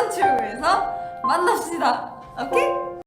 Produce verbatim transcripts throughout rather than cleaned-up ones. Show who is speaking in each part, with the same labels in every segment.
Speaker 1: 최고에서 만납시다. 오케이?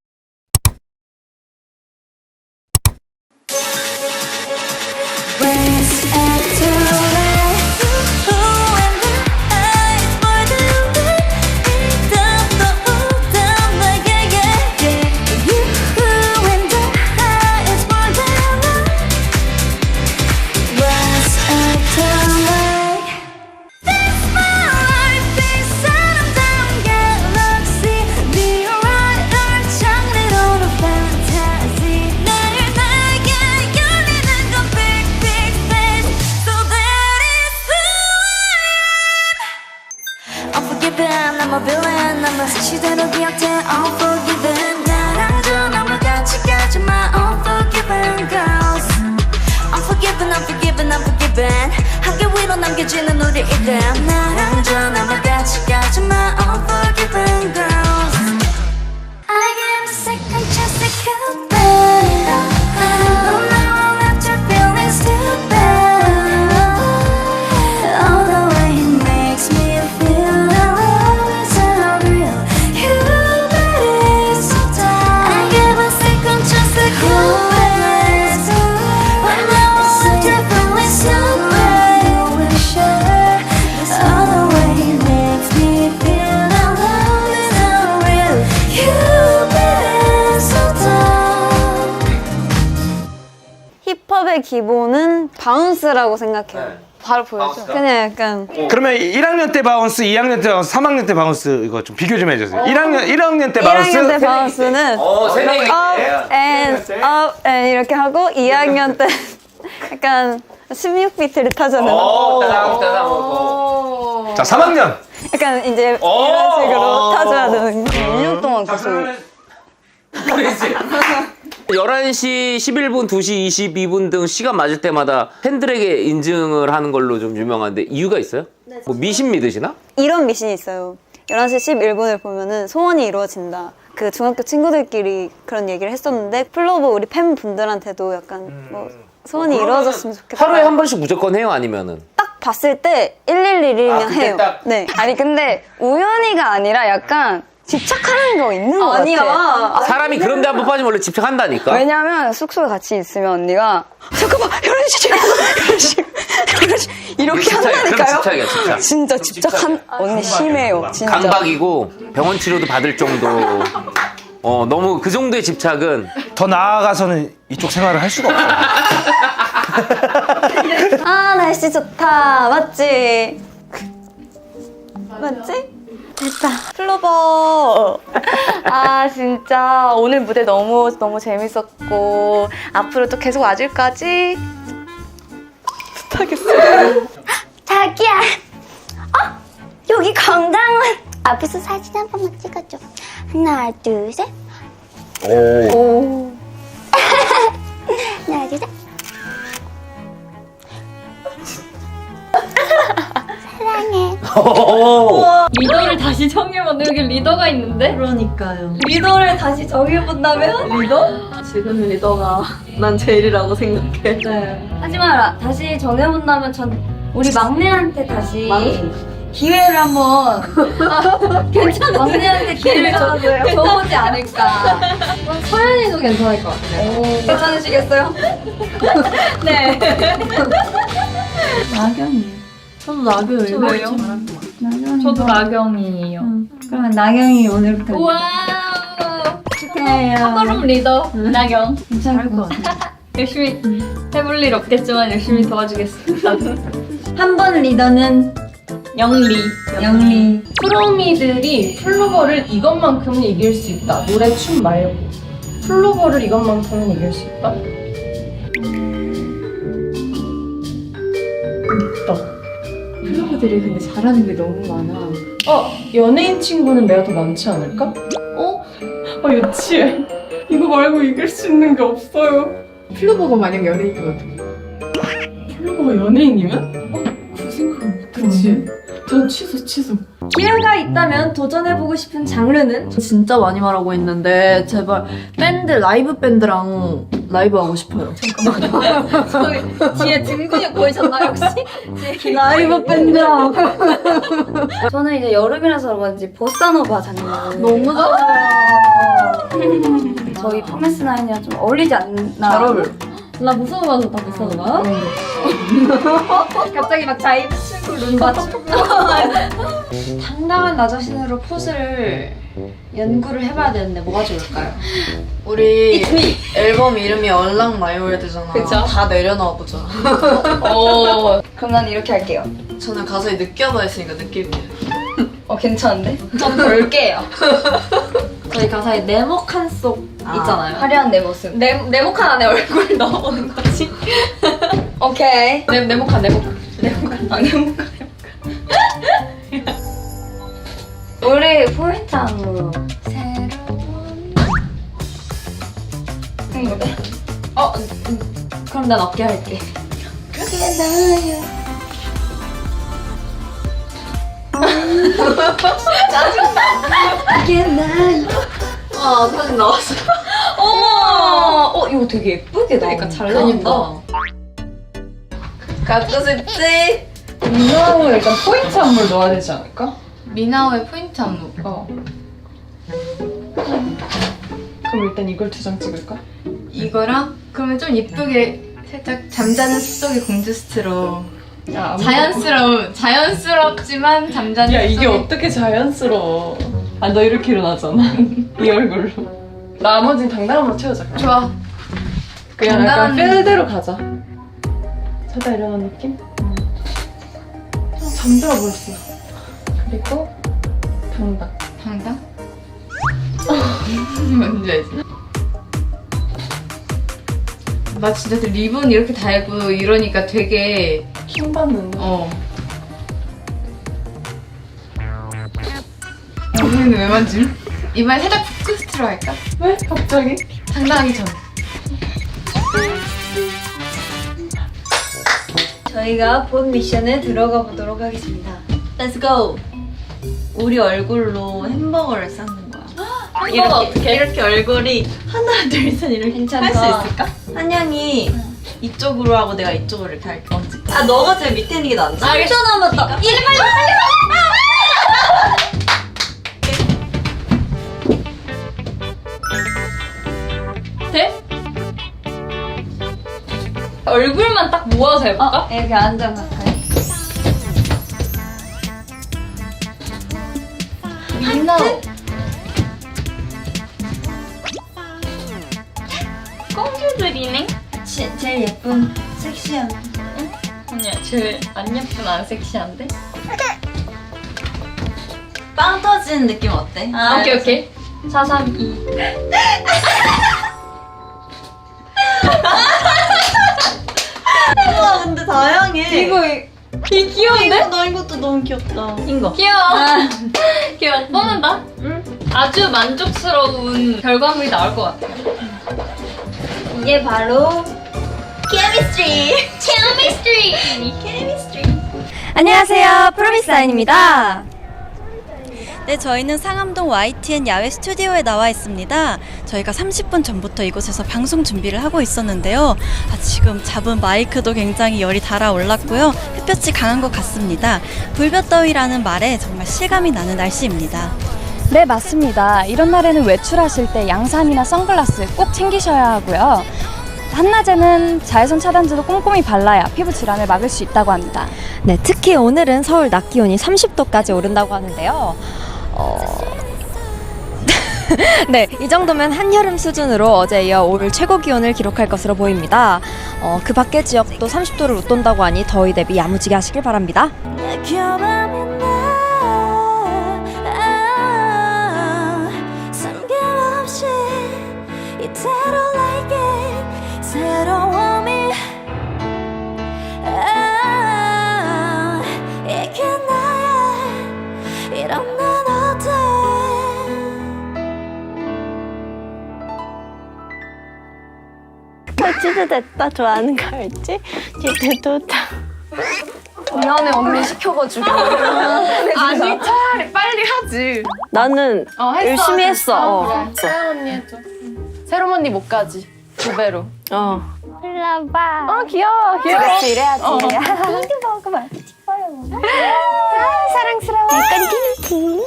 Speaker 2: I'm a villain, I'm a 시대로 기억돼 Unforgiven 나랑 저 너무 같이 가지 마 Unforgiven girls Unforgiven, unforgiven, unforgiven 한계 위로 남겨지는 우리 이름 나랑 저 너무 같이 가지 마 Unforgiven girls I give a second chance to come back Oh, now I'm left to feeling stupid Oh, the way it makes me feel
Speaker 3: 힙합의 기본은 바운스라고 생각해요.
Speaker 4: 네.
Speaker 3: 바로 보여줘. 그냥 약간
Speaker 5: 그러면 일 학년 때 바운스, 이 학년 때 바운스, 삼 학년 때 바운스 이거 좀 비교 좀 해주세요. 일 학년 일 학년 때 바운스.
Speaker 3: 일 학년 때 바운스는
Speaker 4: 어, 세 명이
Speaker 3: up and up and 이렇게 하고 이 학년 때 약간 십육 비트를 타잖아요.
Speaker 4: 어, 따당 따당 하고.
Speaker 5: 자, 삼 학년.
Speaker 3: 약간 이제
Speaker 4: 오!
Speaker 3: 이런 식으로 타줘야 되는 거. 일 년 동안 계속
Speaker 4: 그렇지. 열한 시 십일 분, 두 시 이십이 분 등 시간 맞을 때마다 팬들에게 인증을 하는 걸로 좀 유명한데 이유가 있어요? 뭐 미신 믿으시나?
Speaker 3: 이런 미신이 있어요. 열한 시 십일 분을 보면은 소원이 이루어진다. 그 중학교 친구들끼리 그런 얘기를 했었는데 플로버 우리 팬분들한테도 약간 뭐 소원이 이루어졌으면 좋겠다.
Speaker 4: 하루에 한 번씩 무조건 해요? 아니면은?
Speaker 3: 딱 봤을 때 일일일이면
Speaker 4: 아, 그때
Speaker 3: 해요.
Speaker 4: 딱?
Speaker 3: 네.
Speaker 6: 아니 근데 우연히가 아니라 약간 집착하는 거 있는 거
Speaker 3: 아니야.
Speaker 6: 같아.
Speaker 4: 사람이 그런데 한 번 빠지면 원래 집착한다니까?
Speaker 6: 왜냐면 숙소에 같이 있으면 언니가 잠깐만 열한 시 열한 시 열한 시 이렇게
Speaker 4: 집착이야. 그럼
Speaker 6: 한다니까요.
Speaker 4: 집착이야, 집착.
Speaker 6: 진짜 집착한 언니 심해요. 진짜.
Speaker 4: 강박이고 병원 치료도 받을 정도. 어, 너무 그 정도의 집착은
Speaker 5: 더 나아가서는 이쪽 생활을 할 수가 없어요.
Speaker 3: 아 날씨 좋다. 맞지? 맞지? 됐다. 플로버.
Speaker 7: 아 진짜 오늘 무대 너무 너무 재밌었고 앞으로도 계속 와줄 거지?
Speaker 2: 자기야 어? 여기 건강원 앞에서 사진 한 번만 찍어줘 하나 둘셋
Speaker 4: 오.
Speaker 2: 하나 둘셋 사랑해
Speaker 1: 리더를 다시 정해본다. 여기 리더가 있는데?
Speaker 3: 그러니까요.
Speaker 1: 리더를 다시 정해본다면? 리더? 지금 리더가 난 제일이라고 생각해. 네. 하지만 다시 정해본다면 전 우리 막내한테 다시 기회를 한번 괜찮아 막내한테 기회를 줘, 줘보지 않을까. 서연이도 괜찮을 것 같아요. 괜찮으시겠어요? 네.
Speaker 8: 나경이에요.
Speaker 1: 저도 나경이에요. 왜요?
Speaker 8: 나경이.
Speaker 1: 저도 나경이에요.
Speaker 8: 응. 그러면 나경이 오늘부터
Speaker 1: 와우.
Speaker 8: 축하해요.
Speaker 1: 하도룸 리더 나경.
Speaker 8: 괜찮을 것 같아.
Speaker 1: 열심히 해볼 일 없겠지만 열심히 도와주겠습니다.
Speaker 8: 한 번 리더는
Speaker 1: 영리.
Speaker 8: 영리.
Speaker 9: 프로미들이 플로버를 이것만큼은 이길 수 있다. 노래, 춤 말고. 플로버를 이것만큼은 이길 수 있다? 있다.
Speaker 8: 플로버들이 근데 잘하는 게 너무 많아.
Speaker 9: 어, 연예인 친구는 내가 더 많지 않을까? 어? 아, 유치해. 이거 말고 이길 수 있는 게 없어요.
Speaker 8: 플로버가 만약 연예인이면
Speaker 9: 플로버가 연예인이면? 어, 그 생각은 못했지. 저 취소, 취소.
Speaker 1: 기회가 있다면 도전해보고 싶은 장르는?
Speaker 10: 진짜 많이 말하고 있는데 제발 밴드, 라이브 밴드랑
Speaker 9: 라이브 하고 싶어요.
Speaker 1: 뒤에 등 근육 보이셨나요 혹시? 뒤에
Speaker 8: 라이브 밴드.
Speaker 6: 저는 이제 여름이라서 그런지 보사노바 장르
Speaker 1: 너무 좋아요.
Speaker 6: 저희 포메스 나인이랑 좀 어울리지 않나?
Speaker 9: 잘 어울려.
Speaker 1: 나 무서워서 다 무서워. 갑자기 막 자이 친구 눈 맞추고.
Speaker 8: 당당한 나 자신으로 포즈를 연구를 해봐야 되는데 뭐가 좋을까요?
Speaker 9: 우리 앨범 이름이 얼랑마이월드잖아.
Speaker 7: 그쵸.
Speaker 9: 다 내려놔 보자.
Speaker 7: 어,
Speaker 6: 그럼 난 이렇게 할게요.
Speaker 9: 저는 가사에 느껴봐 했으니까 느낄게요.
Speaker 6: 어 괜찮은데?
Speaker 1: 전 볼게요. 저희 가사에 네모칸 속 있잖아요.
Speaker 6: 화려한 내 모습.
Speaker 1: 네, 네모칸 안에 얼굴 넣어보는 거지.
Speaker 6: 오케이.
Speaker 1: 네, 네모칸 네모칸. 네모칸. 아, 네모칸.
Speaker 6: 우리 포인트 안무 새로운 행복해.
Speaker 1: 어, 음, 그럼 난 어깨 할게.
Speaker 6: 그게 나야. 그게 나야.
Speaker 9: 아 사진 나왔어.
Speaker 6: 어머. 어 이거 되게 예쁘게 나온다.
Speaker 1: 그러니까 잘 나온다.
Speaker 9: 갖고 싶지?
Speaker 8: 미나하고 일단 포인트 안무를 넣어야 되지 않을까?
Speaker 7: 미나오의 포인트 안무.
Speaker 8: 어. 그럼 일단 이걸 두 장 찍을까?
Speaker 7: 이거랑 그러면 좀 예쁘게 살짝 잠자는 숲속의 공주 스트로
Speaker 8: 야, 아무것도-
Speaker 7: 자연스러운 자연스럽지만 잠자는
Speaker 8: 야 이게
Speaker 7: 숲속의
Speaker 8: 어떻게 자연스러워? 아 너 이렇게 일어나잖아. 이 얼굴로. 나머지는 당당함으로 채우자. 그럼.
Speaker 7: 좋아.
Speaker 8: 그냥 약간
Speaker 7: 당당한-
Speaker 8: 필대로 가자. 자다 일어난 느낌? 잠들어 버렸어. 그리고 당당.
Speaker 7: 당당? 뭔지 알지? 나 진짜 리본 이렇게 달고 이러니까 되게
Speaker 8: 킹 받는다.
Speaker 7: 어. 여기는 왜 만짐? 이번에 살짝 푸크스트로 할까?
Speaker 8: 왜? 갑자기?
Speaker 7: 당당하기 전.
Speaker 3: 저희가 본 미션에 들어가 보도록 하겠습니다. Let's go. 우리 얼굴로 햄버거를 쌓는 거야.
Speaker 1: 햄버거 어떻게?
Speaker 3: 이렇게 얼굴이 하나 둘셋 이렇게
Speaker 1: 괜찮다.
Speaker 3: 할 수 있을까? 한양이 이쪽으로 하고 내가 이쪽으로 이렇게 할게. 언제까? 아 너가 제일 밑에 있는 게 낫지? 삼 초 남았다. 이리 빨리 빨리.
Speaker 1: 돼? 얼굴만 딱 모아서 해볼까?
Speaker 6: 이렇게 앉아 가까이.
Speaker 7: 미나오.
Speaker 1: 공주들이네?
Speaker 3: 제, 제일 예쁜 섹시한.
Speaker 1: 아니야, 제일 안 예쁜 안 섹시한데?
Speaker 3: 빵 터지는 느낌 어때?
Speaker 1: 아, 오케이, 오케이. 사, 삼, 이.
Speaker 3: 와 근데 다양해.
Speaker 1: 이거, 이, 이 귀여운데?
Speaker 3: 너 이것도 너무 귀엽다. 이거.
Speaker 1: 귀여워. 귀여워. 뻔한다? 응. 아주 만족스러운 결과물이 나올 것 같아요.
Speaker 3: 이게 바로
Speaker 1: 케미스트리! 케미스트리! 케미스트리!
Speaker 3: 안녕하세요, 프로미스아인입니다. 네, 저희는 상암동 와이티엔 야외 스튜디오에 나와 있습니다. 저희가 삼십 분 전부터 이곳에서 방송 준비를 하고 있었는데요. 아, 지금 잡은 마이크도 굉장히 열이 달아올랐고요. 햇볕이 강한 것 같습니다. 불볕더위라는 말에 정말 실감이 나는 날씨입니다.
Speaker 10: 네, 맞습니다. 이런 날에는 외출하실 때 양산이나 선글라스 꼭 챙기셔야 하고요. 한낮에는 자외선 차단제도 꼼꼼히 발라야 피부 질환을 막을 수 있다고 합니다.
Speaker 11: 네, 특히 오늘은 서울 낮 기온이 삼십 도까지 오른다고 하는데요. 어... 네, 이 정도면 한여름 수준으로 어제 이어 올 최고 기온을 기록할 것으로 보입니다. 어, 그 밖의 지역도 삼십 도를 웃돈다고 하니 더위 대비 야무지게 하시길 바랍니다.
Speaker 2: 이대로 like it 새로움이 아, 이게 나야 이런 난 어때
Speaker 3: 치즈 됐다. 좋아하는 거 알지? 치즈 좋다.
Speaker 7: 미안해 언니 시켜가지고. 아니 차라리 빨리 하지.
Speaker 3: 나는
Speaker 7: 어, 했어,
Speaker 3: 열심히
Speaker 7: 했어.
Speaker 3: 했어. 어.
Speaker 7: 그래. 서영 언니 해줘. 새롬 언니 못 가지.
Speaker 8: 두 배로.
Speaker 7: 어.
Speaker 2: 불러봐.
Speaker 7: 어 귀여워 귀여워.
Speaker 2: 그렇지 이래야지.
Speaker 7: 어.
Speaker 2: 이거 먹으면 싶어요. 아, 사랑스러워. 끈끈끈.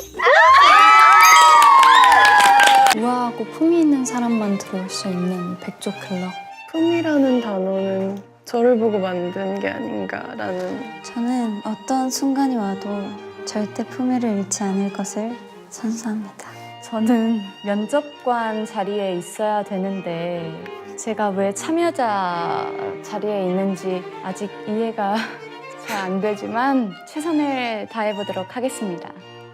Speaker 10: 우아하고 품위 있는 사람만 들어올 수 있는 백조 클럽.
Speaker 9: 품이라는 단어는 저를 보고 만든 게 아닌가라는.
Speaker 3: 저는 어떤 순간이 와도 절대 품위를 잃지 않을 것을 선수합니다.
Speaker 10: 저는 면접관 자리에 있어야 되는데 제가 왜 참여자 자리에 있는지 아직 이해가 잘 안 되지만 최선을 다해보도록 하겠습니다.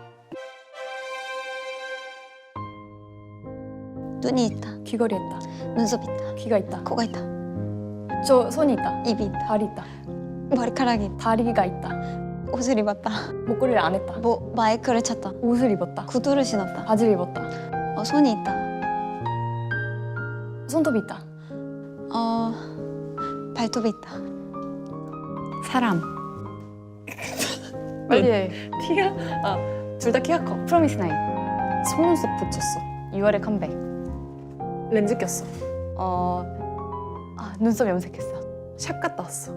Speaker 3: 눈이 있다.
Speaker 10: 귀걸이 있다.
Speaker 3: 눈썹 있다.
Speaker 10: 귀가 있다.
Speaker 3: 코가 있다.
Speaker 10: 저 손이 있다.
Speaker 3: 입이 있다.
Speaker 10: 발이 있다.
Speaker 3: 머리카락이 있다.
Speaker 10: 다리가 있다.
Speaker 3: 옷을 입었다.
Speaker 10: 목걸이를 안 했다.
Speaker 3: 뭐 마이크를 찼다.
Speaker 10: 옷을 입었다.
Speaker 3: 구두를 신었다.
Speaker 10: 바지를 입었다.
Speaker 3: 어, 손이 있다.
Speaker 10: 손톱이 있다.
Speaker 3: 어, 발톱이 있다.
Speaker 10: 사람. 빨리 해. 키가? 아, 둘 다 키가 커. 프로미스 나인. 속눈썹 붙였어. 유월에 컴백.
Speaker 9: 렌즈 꼈어.
Speaker 10: 어, 아, 눈썹 염색했어.
Speaker 9: 샵 갔다 왔어.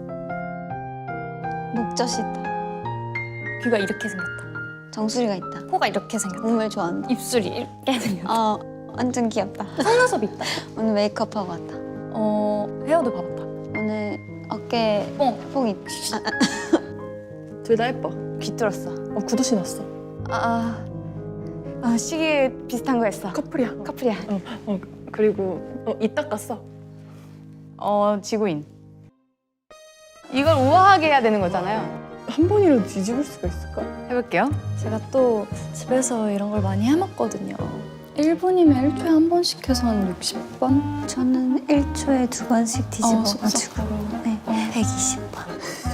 Speaker 3: 목젖이 있다.
Speaker 10: 귀가 이렇게 생겼다.
Speaker 3: 정수리가 있다.
Speaker 10: 코가 이렇게 생겼다.
Speaker 3: 몸을 좋아한다.
Speaker 10: 입술이 이렇게 생겼다.
Speaker 3: 어, 완전 귀엽다.
Speaker 10: 속눈썹이 있다.
Speaker 3: 오늘 메이크업하고 왔다.
Speaker 10: 어, 헤어도 봐봤다.
Speaker 3: 오늘 어깨
Speaker 10: 뽕.
Speaker 3: 뽕 있. 아,
Speaker 9: 둘 다 예뻐.
Speaker 10: 귀 뚫었어.
Speaker 9: 어, 구두 신었어.
Speaker 10: 아, 아, 시계 비슷한 거 했어.
Speaker 9: 커플이야.
Speaker 10: 커플이야.
Speaker 9: 어, 어 그리고 어, 이 닦았어.
Speaker 10: 어, 지구인. 이걸 우아하게 해야 되는 거잖아요.
Speaker 9: 한 번이라도 뒤집을 수가 있을까?
Speaker 10: 해볼게요.
Speaker 11: 제가 또 집에서 이런 걸 많이 해먹거든요. 일 분이면 일 초에 한 번씩 해서 한 육십 번?
Speaker 3: 저는 일 초에 두 번씩 뒤집어가지고
Speaker 11: 쏙쏙으로.
Speaker 3: 네, 백이십 번.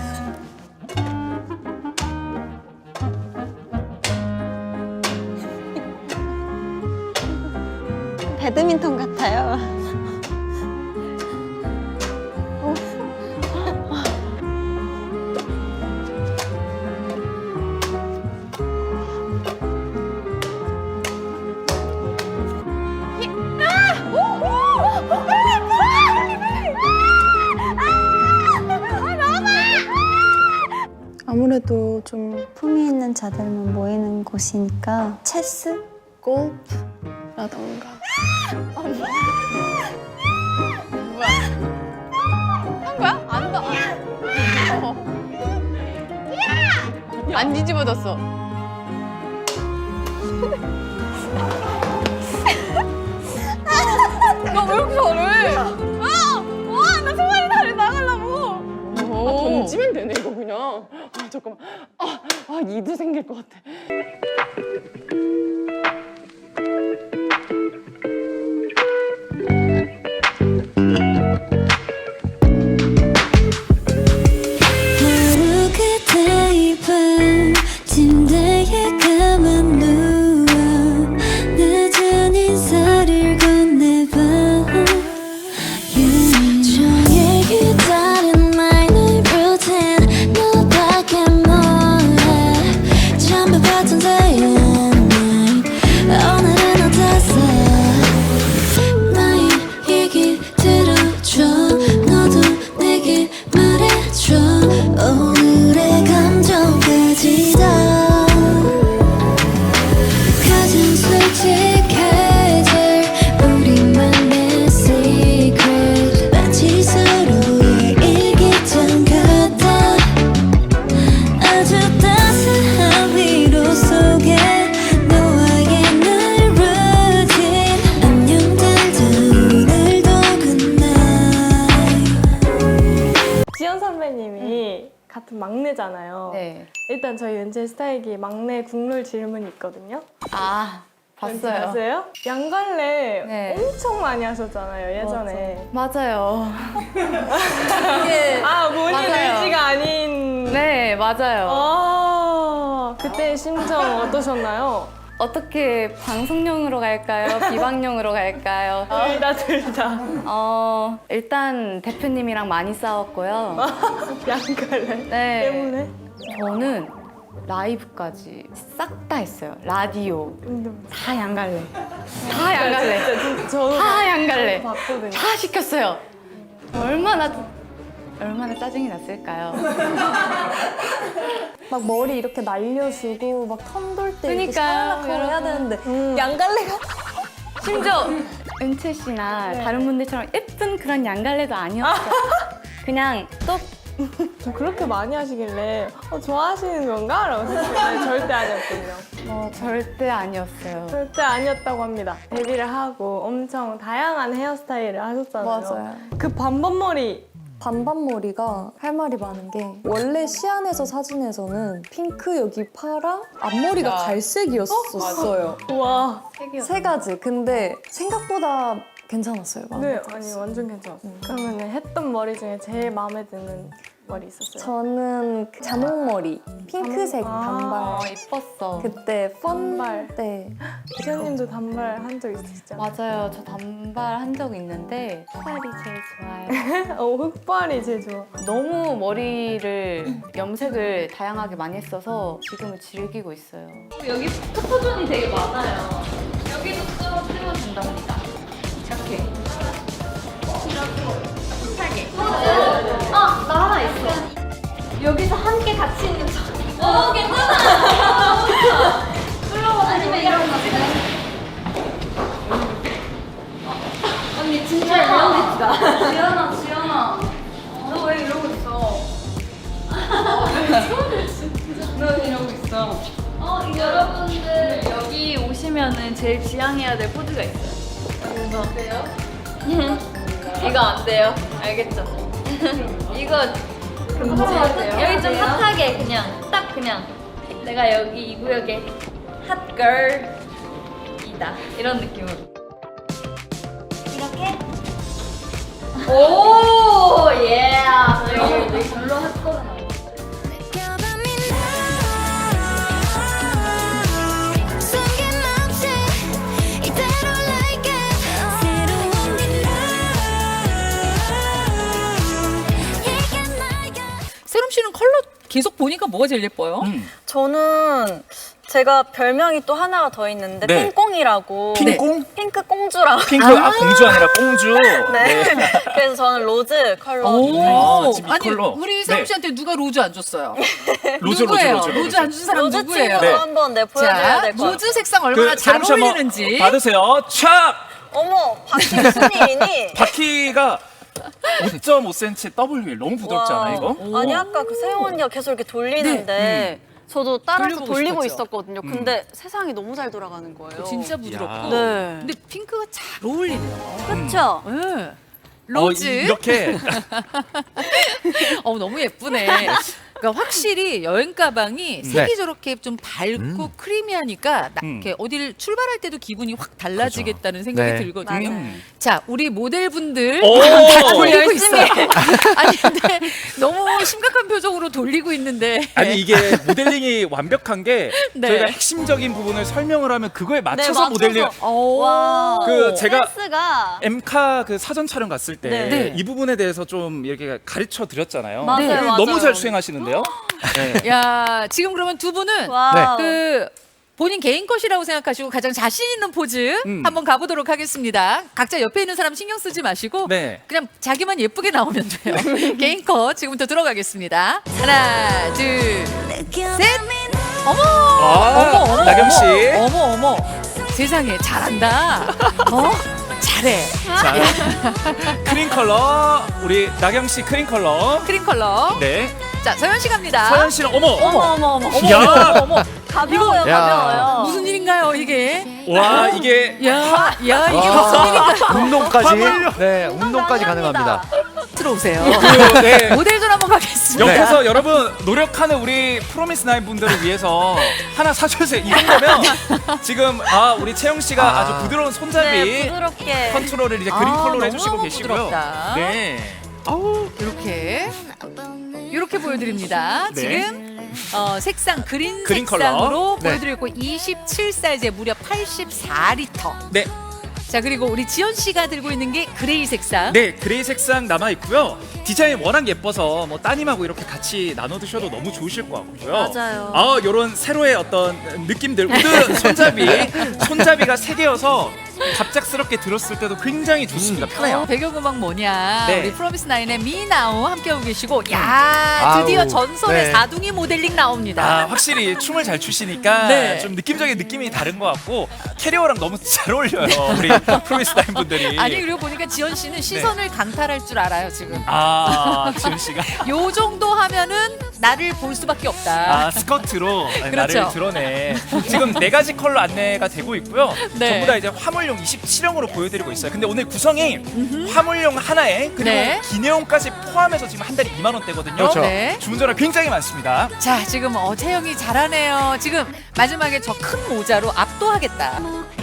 Speaker 3: 배드민턴 같아요.
Speaker 9: 아무래도 좀
Speaker 3: 품위 있는 자들만 모이는 곳이니까 체스?
Speaker 9: 골프라던가.
Speaker 10: 안 뒤집어졌어. 나 왜 이렇게 잘해? 아! 와! 나 소만이 다리 나가려고!
Speaker 9: 아, 던지면 되네 이거 그냥. 아 잠깐만. 아, 아 이도 생길 것 같아.
Speaker 2: 하루 그때 이 밤 침대에 가만 누워 늦은 인사를 건네봐. 종일 기다린 my night routine 너밖에 몰라. 잠을 봤던 day and night 오늘은 어땠어. 나의 얘기 들어줘. 너도 내게 말해줘. 오늘의 감정까지 다 가장 솔직해질 우리만의 secret. 마치 서로의 일기장 같아. 아주 따스한 위로 속에 너와의 날 routine. 안녕 달다 오늘도 good night.
Speaker 9: 지연 선배님이 같은 막내잖아요.
Speaker 10: 네.
Speaker 9: 일단 저희 은재 스타일기 막내 국룰 질문이 있거든요.
Speaker 10: 아,
Speaker 9: 왠지
Speaker 10: 봤어요.
Speaker 9: 아세요? 양갈래
Speaker 10: 네.
Speaker 9: 엄청 많이 하셨잖아요 예전에.
Speaker 10: 맞아요.
Speaker 9: 아 본인
Speaker 10: 맞아요.
Speaker 9: 의지가 아닌.
Speaker 10: 네, 맞아요.
Speaker 9: 아 그때 심정 어떠셨나요?
Speaker 10: 어떻게 방송용으로 갈까요? 비방용으로 갈까요?
Speaker 9: 둘다 둘 다.
Speaker 10: 어, 일단 대표님이랑 많이 싸웠고요.
Speaker 9: 양갈래
Speaker 10: 네.
Speaker 9: 때문에.
Speaker 10: 저는 라이브까지 싹 다 했어요. 라디오
Speaker 9: 운동.
Speaker 10: 다 양갈래.
Speaker 7: 다 양갈래.
Speaker 9: 저도
Speaker 7: 다 양갈래.
Speaker 9: 봤거든요.
Speaker 7: 다 시켰어요. 얼마나 얼마나 짜증이 났을까요?
Speaker 9: 막 머리 이렇게 날려주고 막 턴 돌 때 이렇게
Speaker 7: 그러니까요,
Speaker 9: 샤라라라고 해야 되는데
Speaker 7: 음.
Speaker 9: 양갈래가
Speaker 7: 심지어 은채 씨나 다른 분들처럼 예쁜 그런 양갈래도 아니었어요. 그냥 또
Speaker 9: 그렇게 많이 하시길래 어, 좋아하시는 건가? 라고 생각했는데 절대 아니었군요.
Speaker 7: 어, 절대 아니었어요.
Speaker 9: 절대 아니었다고 합니다. 데뷔를 하고 엄청 다양한 헤어스타일을 하셨잖아요.
Speaker 12: 맞아요.
Speaker 9: 그 반반머리
Speaker 12: 반반머리가 할 말이 많은 게 원래 시안에서 사진에서는 핑크 여기 파랑 앞머리가 갈색이었었어요.
Speaker 9: 와.
Speaker 12: 세 가지. 근데 생각보다 괜찮았어요. 마음에
Speaker 9: 네,
Speaker 12: 들었어요.
Speaker 9: 아니 완전 괜찮았어요. 그러면 했던 머리 중에 제일 마음에 드는 머리 있었어요?
Speaker 12: 저는 그 자몽머리 핑크색
Speaker 9: 아,
Speaker 12: 단발.
Speaker 7: 이뻤어.
Speaker 12: 그때
Speaker 9: 단발.
Speaker 12: 펀 때.
Speaker 9: 기자님도 단발 한 적 있으시죠?
Speaker 7: 맞아요. 저 단발 한 적 있는데 흑발이 제일 좋아요.
Speaker 9: 어, 흑발이 제일 좋아.
Speaker 7: 너무 머리를 염색을 다양하게 많이 했어서 지금은 즐기고 있어요.
Speaker 1: 여기 포토존이 되게 많아요. 여기도 찍어 찍어도 된답니다. 이렇게. 이렇게. 아, 나 하나 있어. 여기서 함께 같이 있는 척. 어, 괜찮아. 끌어봐. 아니면 이런 거. 언니 진짜 리얼리티다. 지연아, 지연아. 너 왜 이러고 있어? 너 이러고 있어. 어, 여러분들 여기 오시면은 제일 지향해야 될 포즈가 있어요. 그래서 어때요? 이거 안 돼요. 알겠죠? 이거 금지해야 돼요. 여기 좀 핫하게 그냥 딱 그냥 내가 여기 이 구역의 핫걸이다 이런 느낌으로. 이렇게. 오 예. 여기 별로 핫걸은 아니야.
Speaker 13: 세롬 씨는 컬러 계속 보니까 뭐가 제일 예뻐요?
Speaker 3: 저는 제가 별명이 또 하나가 더 있는데
Speaker 14: 네.
Speaker 3: 핑꽁이라고.
Speaker 14: 핑꽁?
Speaker 3: 네. 핑크 공주라고.
Speaker 14: 핑크 아, 공주 아니라 공주.
Speaker 3: 네. 그래서 저는 로즈 컬러.
Speaker 13: 오,
Speaker 14: 아, 지금 이
Speaker 13: 아니
Speaker 14: 컬러.
Speaker 13: 우리 세롬
Speaker 14: 네.
Speaker 13: 씨한테 누가 로즈 안 줬어요?
Speaker 14: 로즈,
Speaker 13: 누구예요?
Speaker 14: 로즈, 로즈,
Speaker 13: 로즈 안 준 사람
Speaker 3: 로즈
Speaker 13: 누구예요?
Speaker 3: 친구도
Speaker 14: 네.
Speaker 3: 한번 네, 보여줘야
Speaker 13: 자,
Speaker 3: 될 것 같아요.
Speaker 13: 로즈 색상 얼마나 잘
Speaker 14: 세롬 씨 한번
Speaker 13: 어울리는지.
Speaker 14: 받으세요. 촥!
Speaker 3: 어머, 바퀴 무슨 일이니?
Speaker 14: 바퀴가 오 점 오 센티미터 더블유 엘 너무 부드럽지 않아 이거?
Speaker 3: 아니 아까 그 세영 언니가 계속 이렇게 돌리는데 저도 따라서
Speaker 13: 돌려보고
Speaker 3: 돌리고
Speaker 13: 싶었죠?
Speaker 3: 있었거든요. 근데 세상이 너무 잘 돌아가는 거예요.
Speaker 13: 진짜 부드럽고.
Speaker 3: 네.
Speaker 13: 근데 핑크가 잘 어울리네요.
Speaker 3: 그렇죠?
Speaker 13: 네. 로즈.
Speaker 14: 어, 이- 이렇게
Speaker 13: 어, 너무 예쁘네. 그러니까 확실히 여행 가방이 색이
Speaker 5: 네.
Speaker 13: 저렇게 좀 밝고 크리미하니까 나,
Speaker 14: 음.
Speaker 13: 이렇게 어디를 출발할 때도 기분이 확 달라지겠다는 생각이
Speaker 5: 네.
Speaker 13: 들거든요.
Speaker 3: 맞아요.
Speaker 13: 자, 우리 모델분들
Speaker 14: 오!
Speaker 13: 다 돌리고
Speaker 3: 열심히.
Speaker 13: 있어요. 아니 근데 너무 심각한 표정으로 돌리고 있는데.
Speaker 14: 아니 이게 모델링이 완벽한 게
Speaker 13: 네.
Speaker 14: 저희가 핵심적인 부분을 설명을 하면 그거에 맞춰서
Speaker 3: 맞춰서.
Speaker 14: 모델링.
Speaker 13: 오.
Speaker 3: 와.
Speaker 14: 그 제가
Speaker 3: 센스가.
Speaker 14: 엠카 그 사전 촬영 갔을 때
Speaker 3: 네.
Speaker 14: 이 부분에 대해서 좀 이렇게 가르쳐 드렸잖아요.
Speaker 3: 맞아요,
Speaker 14: 네.
Speaker 3: 맞아요.
Speaker 14: 너무 잘 수행하시는데요. 네.
Speaker 13: 야, 지금 그러면 두 분은
Speaker 3: 와우.
Speaker 13: 그 본인 개인 컷이라고 생각하시고 가장 자신 있는 포즈
Speaker 14: 음.
Speaker 13: 한번 가보도록 하겠습니다. 각자 옆에 있는 사람 신경 쓰지 마시고
Speaker 14: 네.
Speaker 13: 그냥 자기만 예쁘게 나오면 돼요. 개인 컷 지금부터 들어가겠습니다. 하나, 둘, 셋. 어머,
Speaker 14: 아,
Speaker 13: 어머, 어머,
Speaker 14: 나경 씨.
Speaker 13: 어머, 어머, 어머. 세상에 잘한다. 어, 잘해.
Speaker 14: 자, 크림 컬러 우리 나경 씨 크림 컬러.
Speaker 13: 크림 컬러.
Speaker 14: 네.
Speaker 13: 자, 서현 씨 갑니다.
Speaker 14: 서현 씨는 어머.
Speaker 3: 어머 어머 어머.
Speaker 14: 야.
Speaker 13: 어머, 어머.
Speaker 3: 가벼워요,
Speaker 5: 야.
Speaker 3: 가벼워요.
Speaker 13: 무슨 일인가요, 이게?
Speaker 14: 와 이게
Speaker 13: 야, 야, 이게
Speaker 5: 와.
Speaker 13: 무슨 일인가?
Speaker 5: 운동까지. 네, 운동까지 가능합니다.
Speaker 13: 들어오세요.
Speaker 14: 그, 네.
Speaker 13: 모델존 한번 가겠습니다.
Speaker 14: 옆에서 여러분 노력하는 우리 프로미스 나인 분들을 위해서 하나 사주세요. 이 정도면 지금 아 우리 채영 씨가
Speaker 5: 아.
Speaker 14: 아. 주 부드러운 손잡이
Speaker 3: 네, 부드럽게.
Speaker 14: 컨트롤을 이제 그린
Speaker 13: 아,
Speaker 14: 컬러로 해주시고
Speaker 13: 너무너무
Speaker 14: 계시고요.
Speaker 13: 부드럽다.
Speaker 14: 네.
Speaker 13: 아우, 이렇게 이렇게 보여드립니다.
Speaker 14: 네.
Speaker 13: 지금 어, 색상 그린,
Speaker 14: 그린
Speaker 13: 색상으로
Speaker 14: 컬러. 네.
Speaker 13: 보여드리고 이십칠 사이즈에 무려 팔십사 리터.
Speaker 14: 네.
Speaker 13: 자, 그리고 우리 지연 씨가 들고 있는 게 그레이 색상.
Speaker 14: 네, 그레이 색상 남아 있고요. 디자인이 워낙 예뻐서 뭐 따님하고 이렇게 같이 나눠 드셔도 너무 좋으실 것 같고요.
Speaker 3: 맞아요.
Speaker 14: 아, 요런 새로의 어떤 느낌들. 우드 손잡이, 손잡이가 세 개여서 갑작스럽게 들었을 때도 굉장히 좋습니다. 편해요.
Speaker 13: 어, 배경음악 뭐냐?
Speaker 14: 네.
Speaker 13: 우리 프로미스 나인의 미나오 함께하고 계시고, 야 드디어
Speaker 14: 아우,
Speaker 13: 전설의
Speaker 14: 네.
Speaker 13: 사둥이 모델링 나옵니다.
Speaker 14: 아, 확실히 춤을 잘 추시니까
Speaker 13: 네.
Speaker 14: 좀 느낌적인 느낌이 다른 것 같고 캐리어랑 너무 잘 어울려요. 우리 프로미스 나인 분들이.
Speaker 13: 아니 그리고 보니까 지연 씨는 시선을 강탈할 줄 알아요 지금.
Speaker 14: 아, 지은 씨가.
Speaker 13: 요 정도 하면은 나를 볼 수밖에 없다.
Speaker 14: 아, 스커트로
Speaker 13: 그렇죠.
Speaker 14: 나를 드러내. 지금 네 가지 컬러 안내가 되고 있고요.
Speaker 13: 네.
Speaker 14: 전부 다 이제 화물용 이십칠형으로 보여드리고 있어요. 근데 오늘 구성이 화물용 하나에 그리고
Speaker 13: 네.
Speaker 14: 기내용까지 포함해서 지금 한 달에 이만 원대거든요.
Speaker 13: 그렇죠. 네.
Speaker 14: 주문 전화 굉장히 많습니다.
Speaker 13: 자 지금 어 채영이 잘하네요. 지금 마지막에 저 큰 모자로 압도하겠다.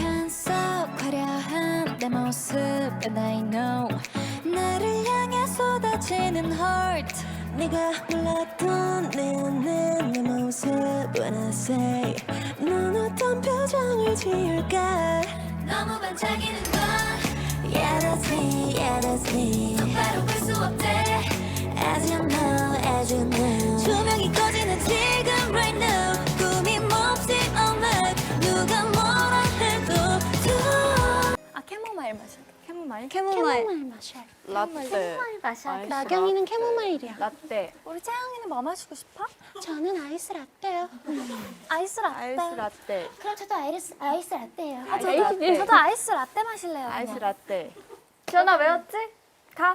Speaker 2: 화려한 내 모습 and I know 나를 향해 쏟아지는 heart 네가 몰랐던 내 안에 내 모습 when I say 넌 어떤 표정을 지을까 너무 반짝이는 건 Yeah that's me, yeah that's me 똑바로 볼 수 없대 As you know, as you know 조명이 꺼지는 지금 right now 꿈이 몹시 all night 누가 뭐라 해도
Speaker 3: 아 캐모마일 마셔. 캐모마일?
Speaker 12: 캐모마일.
Speaker 3: 마셔.
Speaker 12: 라떼.
Speaker 3: 캐모마일 마셔.
Speaker 12: 아이스
Speaker 3: 나경이는 캐모마일이야.
Speaker 12: 라떼.
Speaker 3: 우리 채영이는 뭐 마시고 싶어?
Speaker 15: 저는 아이스 라떼요.
Speaker 3: 아이스 라떼.
Speaker 12: 아이스 라떼.
Speaker 15: 그럼 저도 아이스, 아이스 라떼요.
Speaker 3: 아, 저도,
Speaker 12: 아이스 라떼.
Speaker 3: 저도 아이스 라떼 마실래요.
Speaker 12: 아이스
Speaker 3: 그냥.
Speaker 12: 라떼.
Speaker 3: 지연아 외웠지? 가.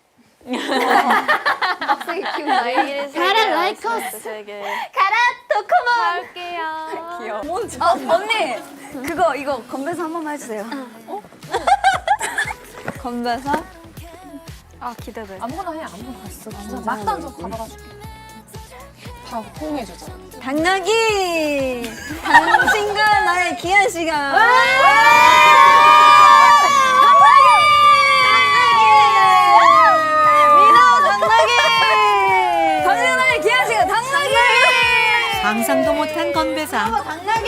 Speaker 12: 빡세게 키운다.
Speaker 15: 가라, 라이커스.
Speaker 12: 세계.
Speaker 3: 가라 도코몬. 갈게요.
Speaker 12: 귀여워.
Speaker 3: 어 언니 그거 이거 건배사 한 번만 해주세요. 어? 건배사? 아 기대돼.
Speaker 9: 아무거나 해 아무거나 했어. 진짜 막단 좀 가봐가 줄게. 다 포옹해주자.
Speaker 3: 당나귀. 당신과 나의 귀한 시간.
Speaker 13: 상상도 못한 건배사.
Speaker 3: 당나귀!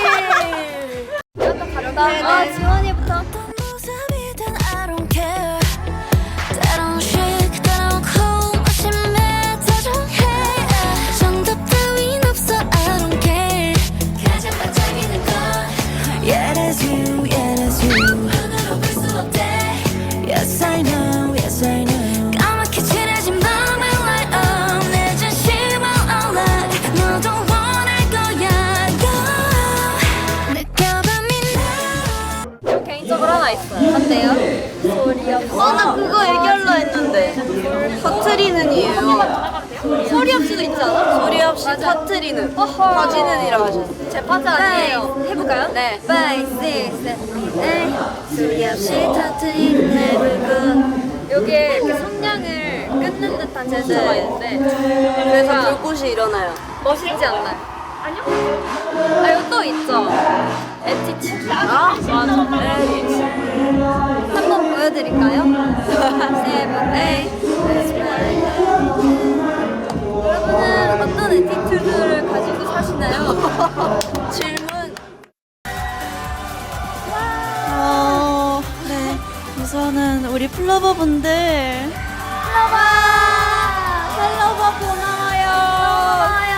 Speaker 3: 아, 지원이부터.
Speaker 2: 모습이든 I don't care 때론 chic 때론 cool 무심해 다정해 정답 따윈 없어 I don't care 가장 반짝이는 건 Yeah that's you, yeah that's you 눈으로 볼 수 없대 Yes I know, yes I know 까맣게 칠해진 밤의 light up 내 진심을 all night 너도 원할 거야 Go 느껴봐
Speaker 3: 개인적으로 하나 있어요. 한대요. 소리 없어. 어, 나 그거 얘기하려 했는데. 터트리는 이유요. 소리 없이도 있지 않아? 소리 없이 터트리는. 터지는이라고 하셨어요. 제 파트 아니에요. 해볼까요? 네. five, six, seven, eight. 소리 없이 터트리는 해불꽃. 여기에 이렇게 성량을 끊는 듯한 제스처가 있는데. 그래서 불꽃이 일어나요. 멋있지 않나요? 아니요. 아, 이거 또 있죠? 에티튜드. 아, 맞아. 에티튜드. 한번 보여드릴까요? 세븐, 에잇. 여러분은 어떤 에티튜드를 가지고 사시나요? 질문.
Speaker 16: 어, 네. 우선은 우리 플러버분들.
Speaker 3: 플러버! 플러버 고마워요. 고마워요.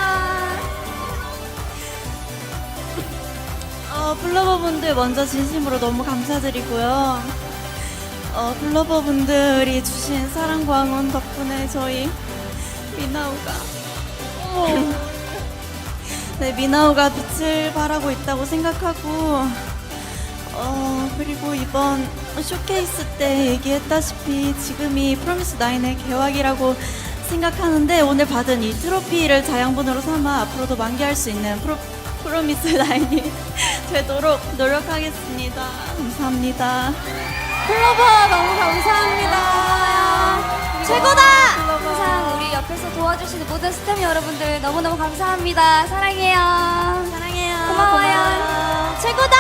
Speaker 16: 어, 플러버분들 먼저 진심으로 너무 감사드리고요. 어, 플러버분들이 주신 사랑과 응원 덕분에 저희 미나우가 어, 네, 미나우가 빛을 발하고 있다고 생각하고 어, 그리고 이번 쇼케이스 때 얘기했다시피 지금이 프로미스 나인의 개막이라고 생각하는데 오늘 받은 이 트로피를 자양분으로 삼아 앞으로도 만개할 수 있는 프로, 프로미스 나인이 되도록 노력하겠습니다. 감사합니다.
Speaker 3: 플러버 너무 감사합니다. 최고다! 항상 우리 옆에서 도와주시는 모든 스태프 여러분들 너무너무 감사합니다. 사랑해요. 사랑해요. 고마워요. 최고다!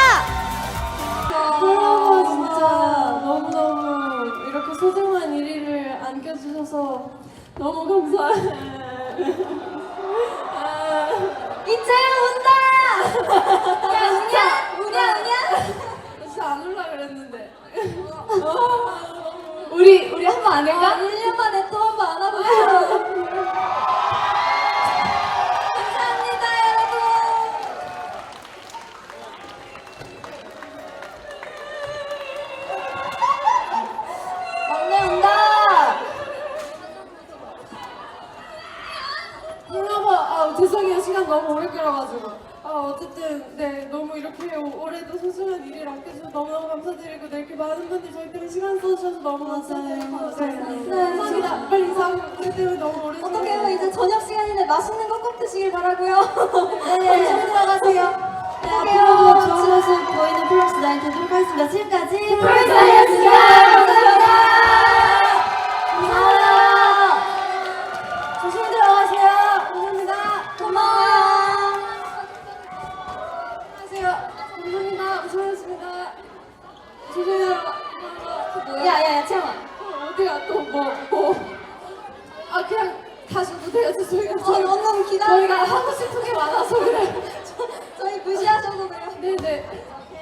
Speaker 9: 플러버 진짜 너무너무 이렇게 소중한 일 위를 안겨주셔서 너무 감사해.
Speaker 3: 이채영 운다! 야, 우냐? 우냐, 우냐?
Speaker 9: 진짜 안 올라 그랬는데. 우리, 우리 한 번 안 할까?
Speaker 3: 일 년 만에 또 한 번
Speaker 17: 들어가지고 아 어쨌든 네 너무 이렇게 올해도 소중한 일을 아껴주셔서 너무너무 감사드리고 네, 이렇게 많은 분들이 저희 때문에 시간 써주셔서 너무 감사드리고 네, 감사합니다. 빨리 인사하고 저희 때문에 너무 오래
Speaker 16: 어떡해요? 이제 저녁 시간인데 맛있는 거 꼭 드시길 바라고요. 네, 조심히 들어가세요. 네, 앞으로도 좋은 모습 보이는 프로미스 나인 되도록 하겠습니다. 지금까지 프로미스 나인이었습니다. 감사합니다. 감사합니다. 조심히 들어가세요. 감사합니다. 고마워요. 안녕하세요. 감사합니다. 수고하셨습니다. 조심히 들어가. 야야야 채영아. 어디가 또 뭐 뭐. 아 그냥 가셔도 돼요. 저희가 어, 너무 기다려. 저희가 하고 싶은 게 많아서 그래. 저, 저희 무시하셔도 돼요. 네네.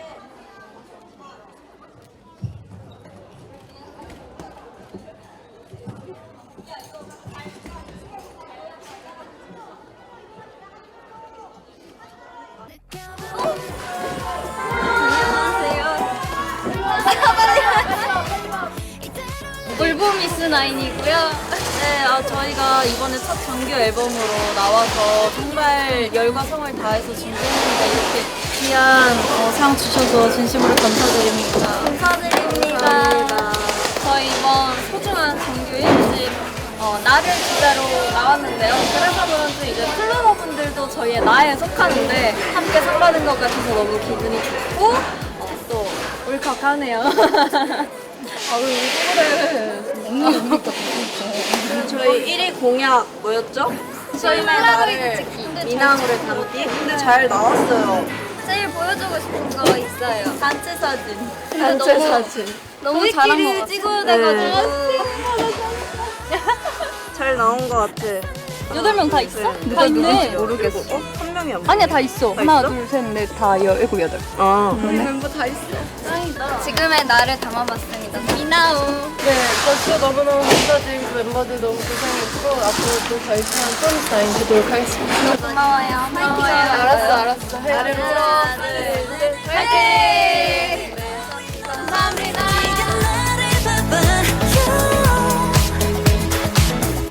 Speaker 1: 울보미스 나인이고요. 네, 아, 저희가 이번에 첫 정규 앨범으로 나와서 정말 열과 성을 다해서 준비했는데 이렇게 귀한 어, 상 주셔서 진심으로 감사드립니다. 감사드립니다. 저희 이번 소중한 정규 일 집 어, 나를 진짜로 나왔는데요. 그래서 그런지 이제 플로버분들도 저희의 나에 속하는데 함께 상 받은 것 같아서 너무 기분이 좋고 어, 또 울컥하네요. 아, 왜 그래?
Speaker 16: 저희 일 위 공약 뭐였죠? 저희 나를 미나무를 담기. 근데 잘 나왔어요.
Speaker 1: 제일 보여주고 싶은 거 있어요. 단체 사진.
Speaker 16: 단체
Speaker 1: 너무,
Speaker 16: 사진.
Speaker 1: 너무 잘한 것 같아. 찍어야 돼가지고.
Speaker 16: 잘 나온 것 같아.
Speaker 1: 여덟 명 다 있어? 다 있네.
Speaker 16: 모르겠어. 어? 한 명이 안
Speaker 1: 아니야, 다 있어.
Speaker 16: 다
Speaker 1: 하나,
Speaker 16: 있어?
Speaker 1: 둘, 셋, 넷, 다 일곱, 여덟.
Speaker 16: 아.
Speaker 1: 우리 멤버 다 있어. 짱이다. 지금의 나를 담아봤습니다. 미나우.
Speaker 9: 네, 저도 너무너무 감사드리고 멤버들 너무 고생했고 앞으로 또 열심히 프로미스 나인 되도록 하겠습니다.
Speaker 1: 고마워요. 파이팅.
Speaker 9: 알았어, 알았어.
Speaker 1: 하나, 둘, 셋. 파이팅!